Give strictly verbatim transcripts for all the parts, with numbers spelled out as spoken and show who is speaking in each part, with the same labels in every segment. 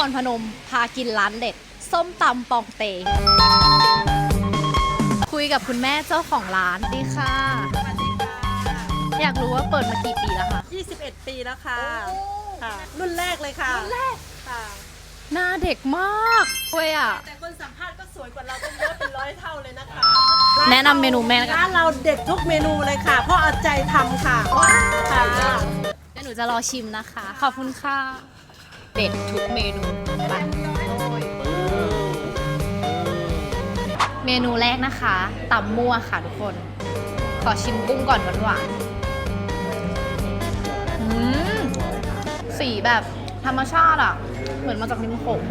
Speaker 1: รพนมพากินร้านเด็ดส้มตำปองเตคุยกับคุณแม่เจ้าของร้านดีค่ะ
Speaker 2: สวัสดีค่ะ
Speaker 1: อยากรู้ว่าเปิดมากี่ปีแล้วคะ
Speaker 2: ยี่สิบเอ็ด ปีแล้วค่ะค่ะ รุ่นแรกเลยค่ะรุ่นแรกค่ะ
Speaker 1: หน้าเด็กมากด้วยอ่ะ
Speaker 2: แต่คนสัมภาษณ์ก็สวยกว่าเราต้องเยอะเป็นร้อยเท่าเลยนะคะ
Speaker 1: แนะนำเมนูแม่กัน
Speaker 2: ร้านเราเด็ดทุกเมนูเลยค่ะ เพราะเอาใจทำค่ะค่ะ
Speaker 1: เดี๋ยวหนูจะรอชิมนะคะ ขอบคุณค่ะ เด็ดทุกเมนูไปเมนูแรกนะคะตำมั่วค่ะทุกคน ขอชิมกุ้งก่อนหวานๆอืมสีแบบธรรมชาติอ่ะ เหมือนมาจากริมโขง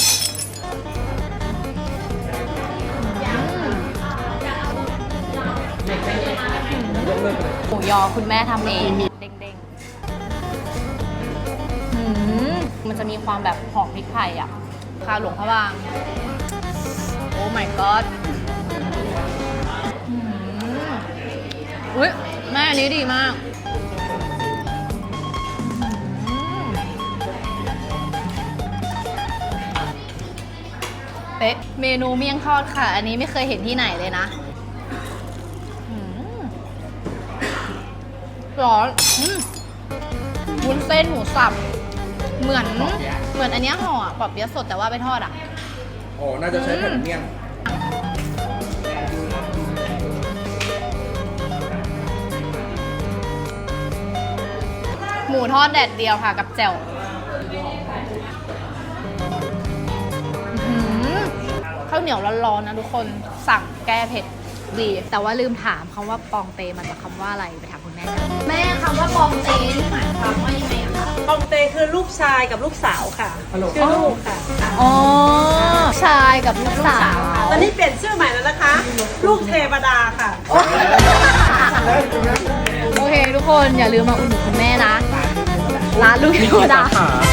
Speaker 1: หมูยอคุณแม่ทำเองเด้งๆอืมมันจะมีความแบบหอมพริกไทยอ่ะคาหลวงพระบางโอ้ my god อืมอุ้ยแม่อันนี้ดีมากเป๊ะเมนูเมี่ยงทอดค่ะ อันนี้ไม่เคยเห็นที่ไหนเลยนะอืมร้อนอืมวุ้นเส้นหมูสับ เหมือนเหมือนอันเนี้ยห่อปอบเปี๊ยะสดแต่ว่าไปทอดอ่ะ
Speaker 3: โอ้น่าจะใช้แผ่นเมี่ยง
Speaker 1: หมูทอดแดดเดียวค่ะกับแจ่วข้าวเหนียวร้อนๆนะทุกคนสั่งแก้เผ็ดดีแต่ว่าลืมถามคำว่าปองเตมาจากคำว่าอะไรไปถามคุณแม่กันแม่คำว่าปองเตนี่หมายความว่ายังไงอะคะ
Speaker 2: ปองเตคือลูกชายกับลูกสาวค่ะชื่อลูกค่ะ
Speaker 1: อ๋อชายกับลูกสาว
Speaker 2: ตอนนี้เปลี่ยนชื่อใหม่แล้วนะคะ ลูกเทวดาค่ะ
Speaker 1: โอเคทุกคนอย่าลืมมาอุดหนุนคุณแม่นะร้านลูกเทวดา